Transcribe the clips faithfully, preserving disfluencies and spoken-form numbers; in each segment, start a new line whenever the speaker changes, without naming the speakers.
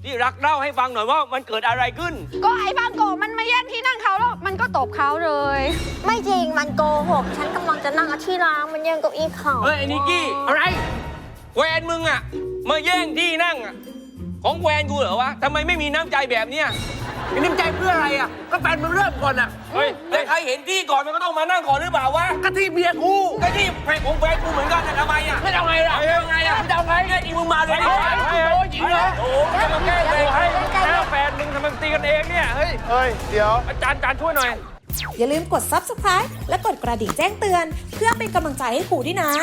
ที่รักเล่าให้ฟังหน่อยว่ามันเกิดอะไรขึ้น
ก็ไอ้บางโกมันมาแย่งที่นั่งเขาแล้วมันก็ตบเขาเลย
ไม่จริงมันโกหกฉันกำลังจะนั่งที่ร้างมันแย่งเก้าอี้เขา
เฮ้ยไอ้นิกกี้อะไรแวนมึงอะมาแย่งที่นั่งอะของแวนกูเหรอวะทำไมไม่มีน้ำใจแบบเนี้ยมีน้ำใจเพื่ออะไรอะก็แฟนมึงเริ่มก่อนอะเฮ้ยแต่ใครเห็นที่ก่อนมันก็ต้องมานั่งก่อนหรือเปล่าวะก็ที่เบียร์กูก็ที่แฟนของแฟนกูเหมือนกันทำไมอะไม่เอาไงล่ะไม่เอาไงอะไม่เอาไงไอ้มึงมาเลยดิโอ้ยจริงเหรอโอ้ยจะมาแก้เลยให้แก้แฟนมึงทำไมตีกันเองเนี่ยเฮ้ย
เฮ้ยเดี๋ยว
อาจารย์อาจารย์ช่วยหน่อย
อย่าลืมกด ซับสไครบ์ และกดกระดิ่งแจ้งเตือนเพื่อเป็นกำลังใจให้ครูด้วยนะ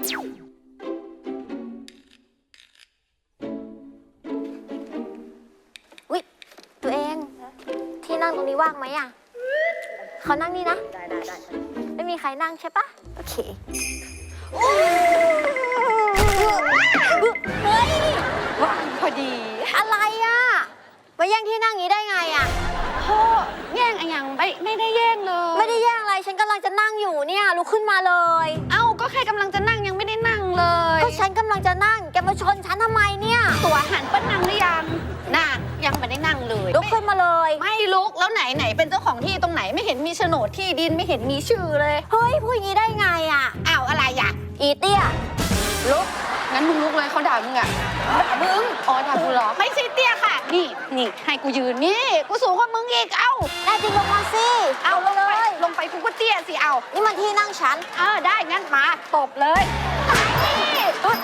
วิตัวเองที่นั่งตรงนี้ว่างไหมอ่ะเขานั่งนี่นะได้ได้ได้ไม่มีใครนั่งใช่ปะโอเคเฮ้ย
ว่างพอดี
อะไรอ่ะมาแย่งที่นั่งนี้ได้ไงอ่ะ
โธ่แย่งอะไรยังไม่ไม่ได้แย่งเลย
ไม่ได้แย่งอะไรฉันกำลังจะนั่งอยู่เนี่ยลุกขึ้นมาเลย
เอ้าก็ใครกำลังจะนั่งยังไม่ได้นั่งเลย
ก็ฉันกำลังจะนั่งแกมาชนฉันทำไมเนี่ย
ตัวหันเปิ้ลนั่งหรือยังน่ะยังไม่ได้นั่งเลย
ลุกขึ้นมาเลย
ไม่ลุกแล้วไหนไหนเป็นเจ้าของที่ตรงไหนไม่เห็นมีโฉนดที่ดินไม่เห็นมีชื่อเลย
เฮ้ยพูดอย่างนี้ได้ไงอ่ะ
อ้าวอะไรอ่ะ
อีเตี้ยลุก
งั้นมึงลุกเลยเขาด่ามึงอ่ะด่ามึงอ๋อด่ากูเหรอไม่ใช่เตี้ยค่ะนี่นี่ให้กูยืนนี่กูสูงกว่ามึงอีกเอ้า
ได้จริงลงมาสิ
เอาลงไปลงไปกูก็เตี้ยสิเอา
นี่มันที่นั่งฉัน
เออได้งั้นมาตบเลย
เฮ้ย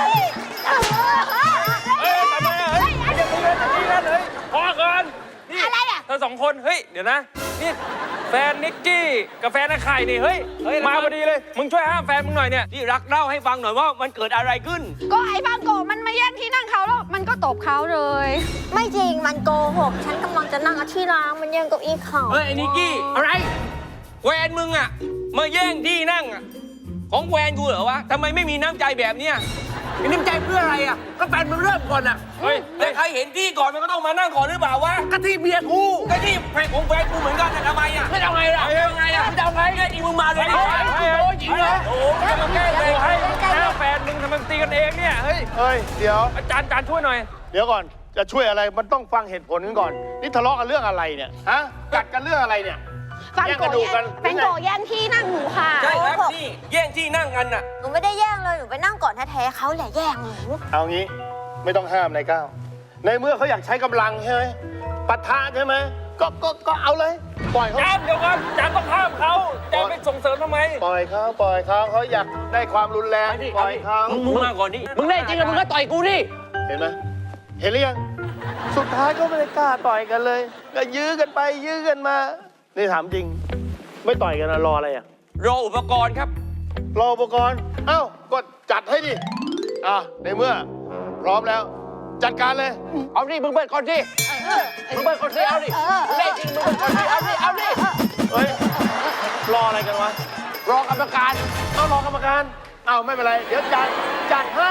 ทำไมเฮ้ยอย่าตีกันอย่าตีกันเลยพอก่อนนี่
อะไรอ่ะ
เธอสองคนเฮ้ยเดี๋ยวนะนี่แฟนนิกกี้กับแฟนนักไข่นี่เฮ้ยมาพอดีเลยมึงช่วยห้ามแฟนมึงหน่อยเนี่ยที่รักเล่าให้ฟังหน่อยว่ามันเกิดอะไรขึ้น
ก็ไอ้บางโกมันมาแย่งที่นั่งเขาแล้วมันก็ตบเขาเลย
ไม่จริงมันโกหกฉันกำลังจะนั่งที่ร้างมันแย่งเก้าอี้เขา
เฮ้ยไอ้นิกกี้อะไรแวนมึงอะมาแย่งที่นั่งอะของแวนกูเหรอวะทำไมไม่มีน้ำใจแบบเนี้ยมีน้ำใจเพื่ออะไรอะก็แฟนมึงเริ่มก่อนอะเฮ้ยแต่ใครเห็นที่ก่อนมันก็ต้องมานั่งก่อนหรือเปล่าวะก็ที่เบียร์กูก็ที่แฟนของแฟนกูเหมือนกันทำไมอะไม่เอาไงล่ะไม่เอาไงอะไม่เอาไงไอ้มึงมาเลยดิโอ้ยจริงเหรอโอ้ยจะมาแก้เลยให้แก้แฟนมึงทำไมตีกันเองเนี่ยเฮ้ย
เฮ้ยเดี๋ยว
อาจารย์อาจารย์ช่วยหน่อย
เดี๋ยวก่อนจะช่วยอะไรมันต้องฟังเหตุผลกันก่อนนี่ทะเลาะกันเรื่องอะไรเนี่ยฮะกัดกันเรื่องอะไรเนี่ย
ฟังโกแย่งแฟนโกแย่งที่นั่งหนูค่ะ
ใช่ครับนี่แย่งที่นั่งกันน่ะ
หนูไม่ได้แย่งเลยหนูไปนั่งก่อนแท้ๆเขาแหละแย่งหนู
เอางี้ไม่ต้องห้ามนายก้าวในเมื่อเขาอยากใช้กำลังใช่ไหมปะทะใช่ไหมก็ก็ก็เอาเลยปล่อยเขา
จานเดี๋ยวก่อนจานต้องห้ามเขาจานไปส่งเสริมทำไม
ปล่อยเขาปล่อยเขาเขาอยากได้ความรุนแรงปล่อยเขา
มึงมาก่อนนี่มึงแน่จริงอะมึงก็ต่อยกูนี่
เห็นไหมเห็นหรือยังสุดท้ายก็ไม่ได้กล้าต่อยกันเลยก็ยื้อกันไปยื้อกันมานี่ถามจริงไม่ต่อยกันนะรออะไรอ่ะ
รออุปกรณ์ครับ
รออุปกรณ์เอ้าก็จัดให้ดิอ่ะในเมื่อพร้อมแล้วจัดการเลย
เอาดิมึงเปิดก่อนสิมึงเปิดก่อนสิเอาดิมึงได้จริงมึงเปิดก่อนสิเอาดิเอาดิ
เฮ้ยรออะไรกันวะ
รอกรรมการ
เอารอกรรมการเอาไม่เป็นไรเดี๋ยวจัดจัดให้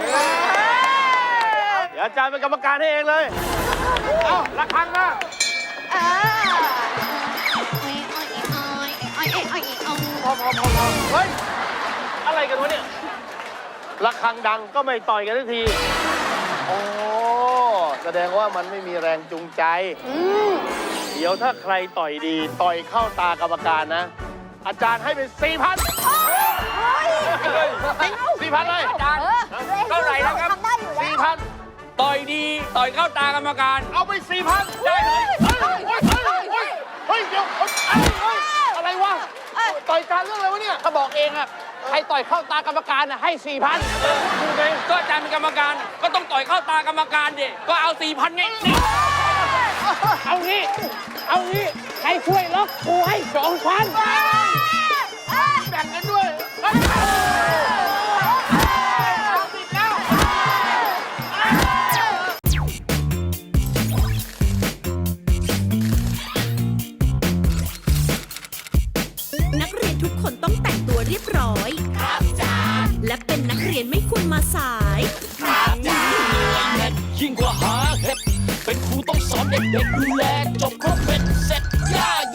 เดี๋ยวอาจารย์เป็นกรรมการให้เองเลยเอาระฆังมาพอพอพอพอเฮ้ยอะไรกันวะเนี่ยระฆังดังก็ไม่ต่อยกันทันทีโอ้แสดงว่ามันไม่มีแรงจูงใจเดี๋ยวถ้าใครต่อยดีต่อยเข้าตากรรมการนะอาจารย์ให้เป็นสี่พันสี่พันเลยอาจารย์เท่าไหร่นะครับสี่พันต่อยดีต่อยเข้าตากรรมการเอาไปสี่พันได้เลยเฮ้ยเดี๋ยวอะไรวะต่อยการเรื่องอะไรวะเนี่ย
ถ้าบอกเองอะใครต่อยเข้าตากรรมการอะให้สี่พันถูกไหมก็อาจารย์เป็นกรรมการก็ต้องต่อยเข้าตากรรมการดิก็เอาสี่พันไงเอางี้เอางี้ใครช่วยล็อกกูให้สองพัน
แบ่งกันด้วย
นักเรียนทุกคนต้องแต่งตัวเรียบร้อยครับจ้าและเป็นนักเรียนไม่ควรมาสายครับจ้า
ยิ่งกว่าหาเห็ดเป็นครูต้องสอนเด็กๆดูแลจบครบเป็นเสร็จย่า